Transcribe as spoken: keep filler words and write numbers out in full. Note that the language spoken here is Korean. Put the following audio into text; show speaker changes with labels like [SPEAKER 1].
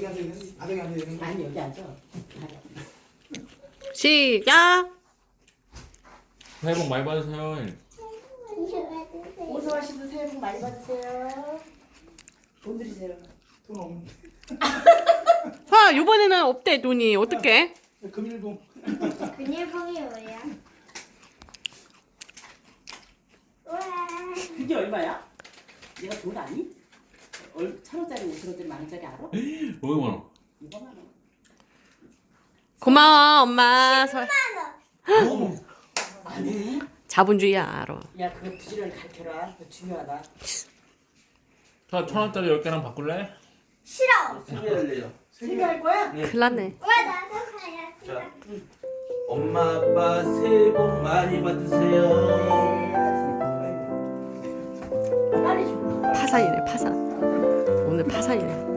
[SPEAKER 1] 앉아 있는 바닥에 앉아 있는 거.
[SPEAKER 2] 아니 여기 앉아.
[SPEAKER 3] 시작.
[SPEAKER 4] 새해 복 많이 받으세요.
[SPEAKER 2] 오성아씨도 새해 복 많이 받으세요. 돈 드리세요.
[SPEAKER 1] 돈 없는데.
[SPEAKER 3] 아, 이번에는 없대 돈이. 어떡해?
[SPEAKER 1] 금일봉.
[SPEAKER 5] 근일봉이 뭐야? 우와.
[SPEAKER 2] 그게 얼마야? 내가 돈 아니? 얼 천 원짜리 오천 원짜리 만 원짜리 알아?
[SPEAKER 4] 오백만 원.
[SPEAKER 2] 이거만 원.
[SPEAKER 3] 고마워 엄마. 설-
[SPEAKER 1] 어머.
[SPEAKER 2] 아니?
[SPEAKER 3] 자본주의야 알아.
[SPEAKER 2] 야 그거 부지런히 가르쳐라. 그거 중요하다.
[SPEAKER 4] 자, 천 원짜리 열 개랑 바꿀래?
[SPEAKER 5] 싫어.
[SPEAKER 6] 세개 할래요.
[SPEAKER 2] 세개 할 거야?
[SPEAKER 3] 큰일 났네.
[SPEAKER 5] 왜 나도 가야지?
[SPEAKER 6] 자, 엄마 아빠 새해 복 많이 받으세요.
[SPEAKER 2] 빨리 줘.
[SPEAKER 3] 파산이네 파산. 오늘 파산이네.